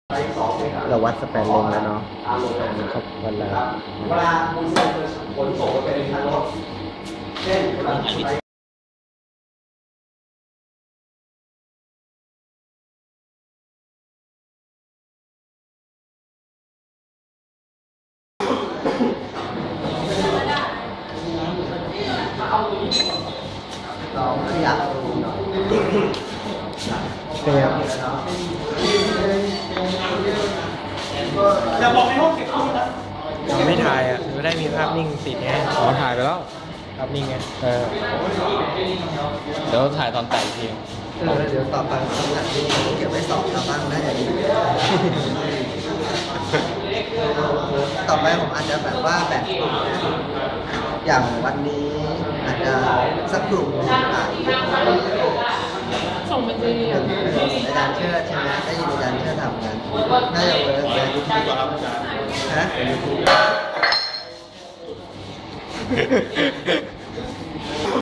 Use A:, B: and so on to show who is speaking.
A: เราวัดสแปนเลนแล้วเนาะนะครับวันละ
B: เวลาคุณขนส่งไปในทางรถเช่นเวลาเราขยับ
A: เป็นไงครับ
B: อย่าบอกในห้องเก็บข้อมูลนะ
C: ยังไม่ถ่ายอ่ะไม่ได้มีภาพนิ่งติดไงอ๋อถ่ายไปแล้วภาพนิ่งไงเดี๋ยวถ่ายตอนแต่งเพลง
A: เดี๋ยวต่อไปคำถามที่เก็บไว้สอบชาวบ้างนะอย่างนี้ต่อไปผมอาจจะแบบว่าแบบกลุ่มนะอย่างวันนี้อาจจะสักกลุ่ม
D: ส่งบัญชีอ่ะ
A: อาจารย์เชิดใช่ไหมได้ยินอาจารย์เชิดทำกันน่าจะเวิร์กเลยฮะ